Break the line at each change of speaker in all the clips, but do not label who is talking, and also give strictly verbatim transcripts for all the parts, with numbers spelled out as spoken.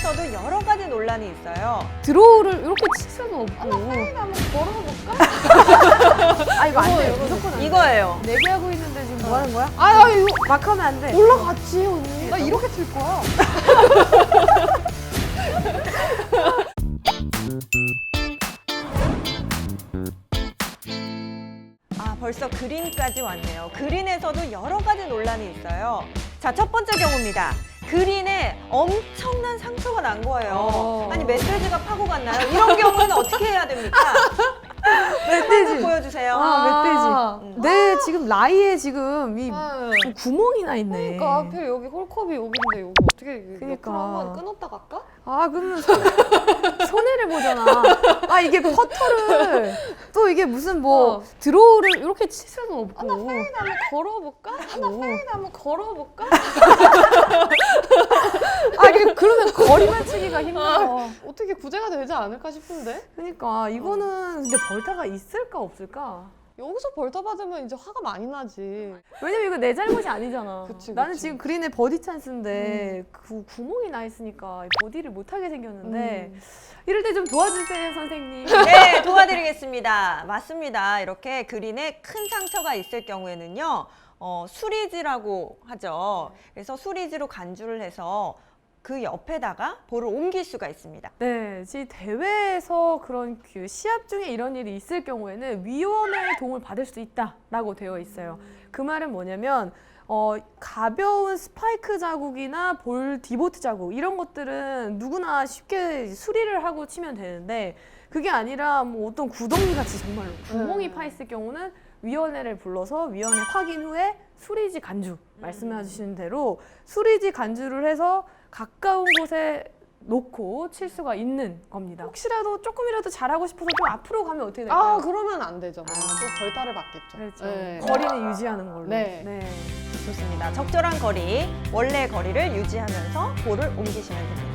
그린에서도 여러 가지 논란이 있어요.
드로우를 이렇게 칠 수는 없고.
하나 파인 한번 걸어볼까?
아 이거 안 돼.
이거는
무조건 안 돼.
이거예요.
내기하고 있는데 지금 뭐 하는 거야?
아, 나 이거
막 하면 안 돼.
올라갔지, 언니. 나 이렇게 칠 거야.
아, 벌써 그린까지 왔네요. 그린에서도 여러 가지 논란이 있어요. 자, 첫 번째 경우입니다. 그린에 엄청난 상처가 난 거예요.
어.
아니, 멧돼지가 파고 갔나요? 이런 경우는 어떻게 해야 됩니까?
멧돼지.
보여주세요.
아, 멧돼지.
음.
내 지금 라이에 지금 이
아,
구멍이 나 있네.
그러니까 하필 여기 홀컵이 여기인데 여기 어떻게
그러니까.
그러니까. 한번 끊었다 갈까?
아 그러면 손, 손해를 보잖아. 아 이게 퍼터를 또 이게 무슨 뭐
어.
드로우를 이렇게 칠 수는 없고.
하나 파인 한번 걸어볼까? 하나 파인 한번 걸어볼까?
아 이게 그러면 거리만 치기가 힘들어.
어떻게 구제가 되지 않을까 싶은데?
그러니까 이거는 근데 벌타가 있을까 없을까?
여기서 벌타 받으면 이제 화가 많이 나지.
왜냐면 이거 내 잘못이 아니잖아.
그치,
나는
그치.
지금 그린에 버디 찬스인데 그 구멍이 나 있으니까 버디를 못 하게 생겼는데
음.
이럴 때 좀 도와주세요 선생님.
네, 도와드리겠습니다. 맞습니다. 이렇게 그린에 큰 상처가 있을 경우에는요, 어, 수리지라고 하죠. 그래서 수리지로 간주를 해서 그 옆에다가 볼을 옮길 수가 있습니다.
네, 지금 대회에서 그런 그 시합 중에 이런 일이 있을 경우에는 위원회의 도움을 받을 수 있다라고 되어 있어요. 그 말은 뭐냐면 어, 가벼운 스파이크 자국이나 볼 디보트 자국 이런 것들은 누구나 쉽게 수리를 하고 치면 되는데 그게 아니라 뭐 어떤 구덩이 같이 정말로 구멍이
음.
파 있을 경우는 위원회를 불러서 위원회 확인 후에 수리지 간주 말씀해 주시는 대로 수리지 간주를 해서 가까운 곳에 놓고 칠 수가 있는 겁니다. 혹시라도 조금이라도 잘하고 싶어서 좀 앞으로 가면 어떻게 될까요?
아, 그러면 안 되죠.
아.
또 벌타를 받겠죠.
그렇죠.
네.
거리는 유지하는 걸로.
네.
좋습니다. 적절한 거리, 원래 거리를 유지하면서 볼을 옮기시면 됩니다.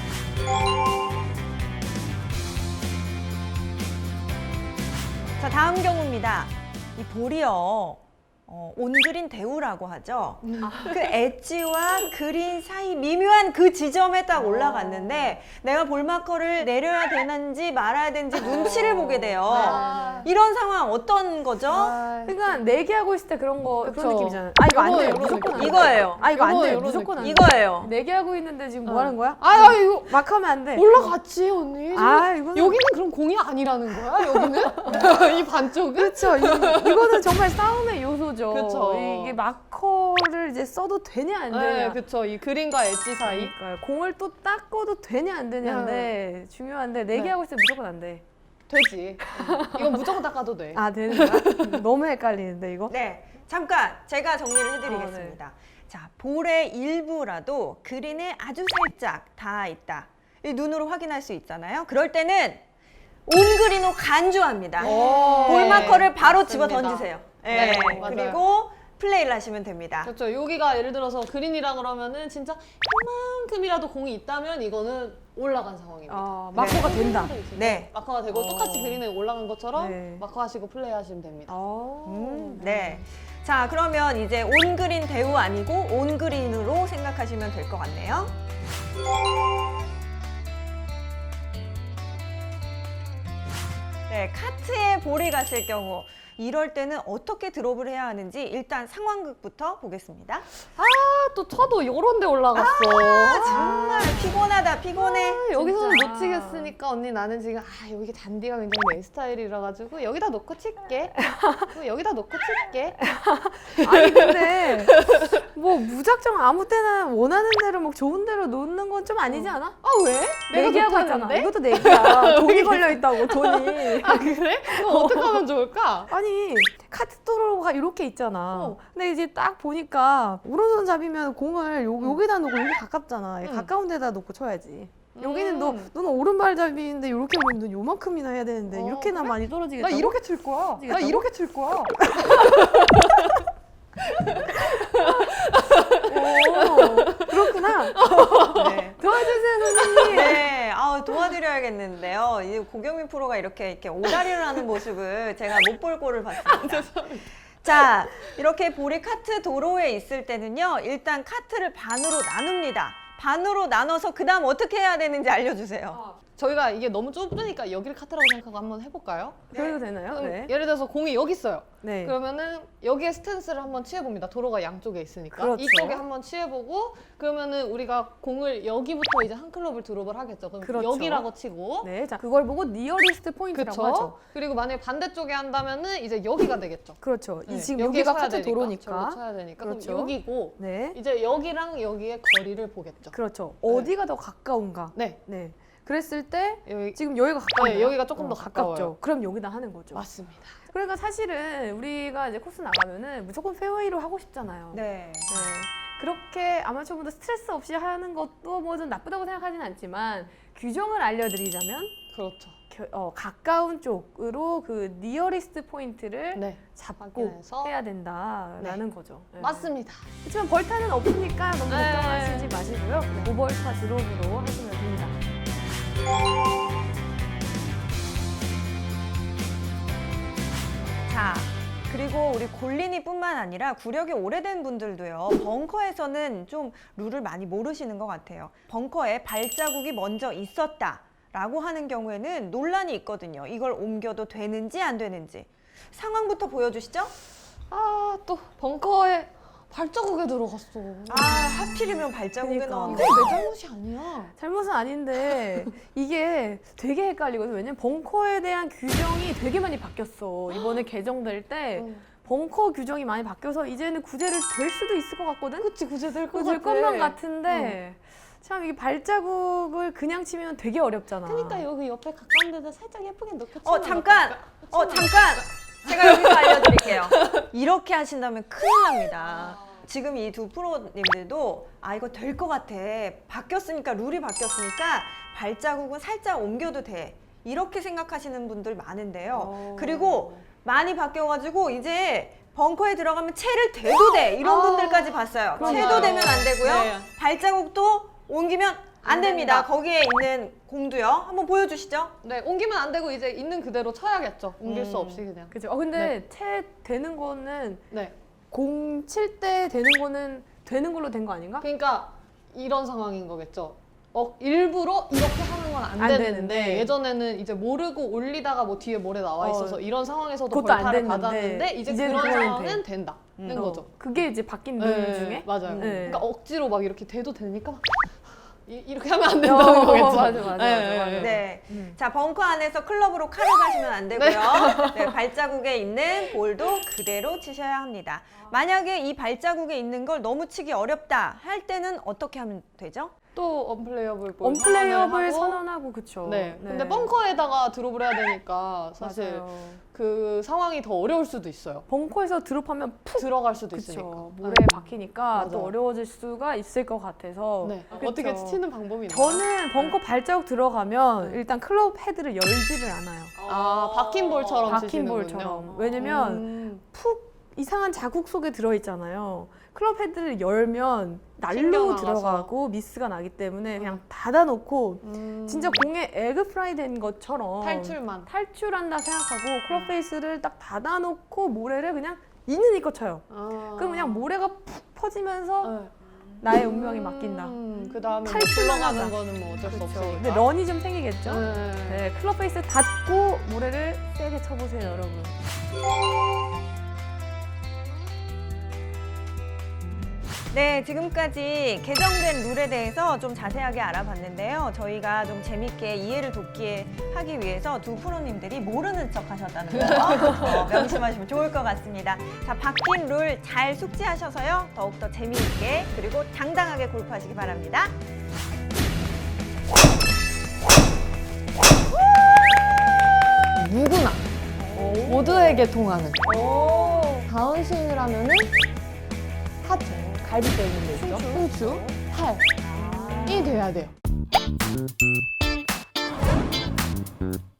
자, 다음 경우입니다. 이 볼이요. 어, 온그린 대우라고 하죠. 그 엣지와 그린 사이 미묘한 그 지점에 딱 올라갔는데 내가 볼마커를 내려야 되는지 말아야 되는지 눈치를 보게 돼요.
아.
이런 상황 어떤 거죠?
아,
그러니까 내기하고 있을 때 그런 거
그쵸.
그런 느낌이잖아요. 아 이거 안
요거,
돼.
요거
무조건 안 돼.
이거예요.
아 이거 안
요거,
돼.
요런
무조건 안 돼.
이거예요.
내기하고 있는데 지금 뭐
어.
하는 거야?
아, 아, 이거
막 하면 안 돼.
올라갔지, 언니.
아 이거는
여기는 그럼 공이 아니라는 거야? 여기는? 이 반쪽은?
그렇죠. 이, 이거는 정말 싸움의 요소죠.
그쵸.
이게 마커를 이제 써도 되냐 안 되냐.
네, 그쵸. 이 그린과 엣지 사이.
그러니까요. 공을 또 닦아도 되냐 안 되냐인데 중요한데 내기하고 있을 때 무조건 안 돼.
되지. 이건 무조건 닦아도 돼.
아 되는 거야? 너무 헷갈리는데 이거?
네, 잠깐 제가 정리를 해드리겠습니다. 자, 볼의 일부라도 그린에 아주 살짝 닿아 있다. 이 눈으로 확인할 수 있잖아요. 그럴 때는 온그린으로 간주합니다.
오,
볼마커를 바로
맞습니다.
집어 던지세요.
네,
네,
맞아요.
그리고 플레이를 하시면 됩니다.
그렇죠. 여기가 예를 들어서 그린이라 그러면은 진짜 이만큼이라도 공이 있다면 이거는 올라간 상황입니다.
아 마커가
네.
된다.
네.
마커가 되고
어.
똑같이 그린에 올라간 것처럼
네.
마커하시고 플레이하시면 됩니다.
아,
음, 네. 자, 그러면 이제 온그린 대우 아니고 온그린으로 생각하시면 될 것 같네요. 네, 카트에 볼이 갔을 경우 이럴 때는 어떻게 드롭을 해야 하는지 일단 상황극부터 보겠습니다.
아, 또 쳐도 요런 데 올라갔어.
아, 정말 피곤하다, 피곤해.
아, 여기서는
진짜.
못 치겠으니까 언니 나는 지금 아 여기 잔디가 굉장히 내 스타일이라 가지고 여기다 놓고 칠게. 그리고 여기다 놓고 칠게.
아니 근데 뭐 무작정 아무 때나 원하는 대로 막 좋은 대로 놓는 건 좀 아니지 않아?
아 왜? 내가
내기하고 있잖아.
못하는데?
이것도 내기야. 돈이 걸려 있다고 돈이.
아 그래? 그럼 어떻게 하면 좋을까?
아니 카트도로가 이렇게 있잖아.
어.
근데 이제 딱 보니까 오른손 잡이면 공을 요, 여기다 놓고 여기 가깝잖아.
응.
가까운 데다 놓고 쳐야지. 여기는 너
음.
너는 오른발 잡이인데 이렇게 보면 넌 요만큼이나 해야 되는데
어,
이렇게나
그래?
많이 떨어지겠다.
나 이렇게 칠 거야. 나
미치겠다고?
이렇게 칠 거야.
오, 그렇구나.
네.
도와주세요 선생님.
네, 아, 도와드려야겠는데요. 이 고경민 프로가 이렇게, 이렇게 오다리를 하는 모습을 제가 못 볼 꼴을 봤습니다. 자, 이렇게 볼이 카트 도로에 있을 때는요, 일단 카트를 반으로 나눕니다. 반으로 나눠서 그 다음 어떻게 해야 되는지 알려주세요.
저희가 이게 너무 좁으니까 여기를 카트라고 생각하고 한번 해볼까요?
그래도 되나요?
그럼
네.
예를 들어서 공이 여기 있어요.
네.
그러면은 여기에 스탠스를 한번 취해봅니다. 도로가 양쪽에 있으니까.
그렇죠.
이쪽에 한번 취해보고 그러면은 우리가 공을 여기부터 이제 한 클럽을 드롭을 하겠죠. 그럼
그렇죠.
여기라고 치고.
네. 자, 그걸 보고 니어리스트 포인트라고
그렇죠.
하죠.
그리고 만약에 반대쪽에 한다면은 이제 여기가 되겠죠.
그렇죠. 이
네.
지금
여기에
여기가
쳐야
카트
되니까,
도로니까.
저기로 쳐야 되니까.
그렇죠.
그럼 여기고
네.
이제 여기랑 여기의 거리를 보겠죠.
그렇죠. 어디가 더 가까운가?
네.
네. 그랬을 때
여기
지금 여기가 가까워요.
네, 여기가 조금 더 가까워요.
가깝죠. 그럼 여기다 하는 거죠.
맞습니다.
그러니까 사실은 우리가 이제 코스 나가면은 무조건 페어웨이로 하고 싶잖아요.
네.
네. 그렇게 아마추어분들 스트레스 없이 하는 것도 뭐 좀 나쁘다고 생각하진 않지만 규정을 알려드리자면
그렇죠.
겨- 어, 가까운 쪽으로 그 니어리스트 포인트를
네.
잡고
확인해서.
해야 된다라는 거죠. 네.
맞습니다.
그렇지만 벌타는 없으니까 너무
네.
걱정하시지 마시고요. 오벌타 드롭으로 하시면 됩니다.
자, 그리고 우리 골린이뿐만 아니라 구력이 오래된 분들도요. 벙커에서는 좀 룰을 많이 모르시는 것 같아요. 벙커에 발자국이 먼저 있었다라고 하는 경우에는 논란이 있거든요. 이걸 옮겨도 되는지 안 되는지. 상황부터 보여주시죠.
아, 또 벙커에 발자국에 들어갔어.
아, 하필이면 발자국에
그러니까.
넣었는데.
이거 내 잘못이 아니야.
잘못은 아닌데 이게 되게 헷갈리거든요. 왜냐면 벙커에 대한 규정이 되게 많이 바뀌었어. 이번에 개정될 때
응.
벙커 규정이 많이 바뀌어서 이제는 구제를 될 수도 있을 것 같거든?
그치, 구제될 것
될
같아.
것만 같은데 참 이게 발자국을 그냥 치면 되게 어렵잖아.
그러니까 여기 옆에 가까운 데다 살짝 예쁘게 넣고
어,
치면
잠깐!
어떨까?
어, 잠깐! 제가 여기서 알려드릴게요. 이렇게 하신다면 큰일 납니다. 지금 이 두 프로님들도 아, 이거 될 것 같아. 바뀌었으니까, 룰이 바뀌었으니까 발자국은 살짝 옮겨도 돼. 이렇게 생각하시는 분들 많은데요.
어.
그리고 많이 바뀌어가지고 이제 벙커에 들어가면 채를 대도 돼. 이런
아,
분들까지 봤어요.
그러나요?
채도 되면 안 되고요.
네.
발자국도 옮기면 안
안
됩니다.
됩니다.
거기에 있는 공도요. 한번 보여주시죠.
네, 옮기면 안 되고 이제 있는 그대로 쳐야겠죠. 옮길 수
음.
없이 그냥.
그죠? 어, 근데 채 되는 거는
네.
공 칠 때 되는 거는 되는 걸로 된 거 아닌가?
그러니까 이런 상황인 거겠죠. 어, 일부러 이렇게 하는 건 안
안
되는데,
되는데.
예전에는 이제 모르고 올리다가 뭐 뒤에 모래 나와 있어서
어,
이런 상황에서도
그것도 안
벌타를
됐는데,
받았는데 이제
이제는
그런
그거는
상황은
돼.
된다는
음.
거죠.
어, 그게 이제 바뀐 룰
네,
중에
맞아요.
네.
그러니까 억지로 막 이렇게 돼도 되니까 막 이, 이렇게 하면 안
어,
된다는 거겠죠.
맞아, 맞아, 맞아,
네,
맞아.
네.
네.
음.
자, 벙커 안에서 클럽으로 칼을 가시면 안 되고요. 네, 발자국에 있는 볼도 그대로 치셔야 합니다. 만약에 이 발자국에 있는 걸 너무 치기 어렵다 할 때는 어떻게 하면 되죠?
또 언플레이어블 볼
언플레이어블
선언을 하고,
선언하고 그쵸.
네. 근데 벙커에다가 드롭을 해야 되니까 사실
맞아요.
그 상황이 더 어려울 수도 있어요.
벙커에서 드롭하면 푹
들어갈 수도 있으니까.
그쵸. 모래에
네.
박히니까 또
맞아요.
어려워질 수가 있을 것 같아서
네.
그쵸.
어떻게 치는 방법이 있나요?
저는 벙커 발자국 들어가면 일단 클럽 헤드를 열지를 않아요.
아, 박힌 볼처럼
박힌
치시는군요.
볼처럼. 왜냐면
음.
푹 이상한 자국 속에 들어있잖아요. 클럽 헤드를 열면 날로
튕겨나가서.
들어가고 미스가 나기 때문에 그냥 닫아놓고
음.
진짜 공에 에그 프라이 된 것처럼
탈출만.
탈출한다 생각하고 클럽 페이스를 딱 닫아놓고 모래를 그냥 있는 이거 쳐요.
아.
그럼 그냥 모래가 푹 퍼지면서
네.
나의 운명이 맡긴다.
음, 그 다음에 뭐
탈출만
흘러가는
하자.
거는 뭐 어쩔 수
그렇죠.
없으니까.
근데 런이 좀 생기겠죠?
네.
네, 클럽 페이스 닫고 모래를 세게 쳐보세요, 여러분.
네, 지금까지 개정된 룰에 대해서 좀 자세하게 알아봤는데요. 저희가 좀 재밌게 이해를 돕기 하기 위해서 두 프로님들이 모르는 척 하셨다는 거 어, 명심하시면 좋을 것 같습니다. 자, 바뀐 룰 잘 숙지하셔서요. 더욱더 재미있게 그리고 당당하게 골프하시기 바랍니다.
누구나 모두에게 통하는
오.
다운스윙을 하면은 하체, 갈비뼈 있는 데 있죠? 흉추, 팔이 돼야 돼요.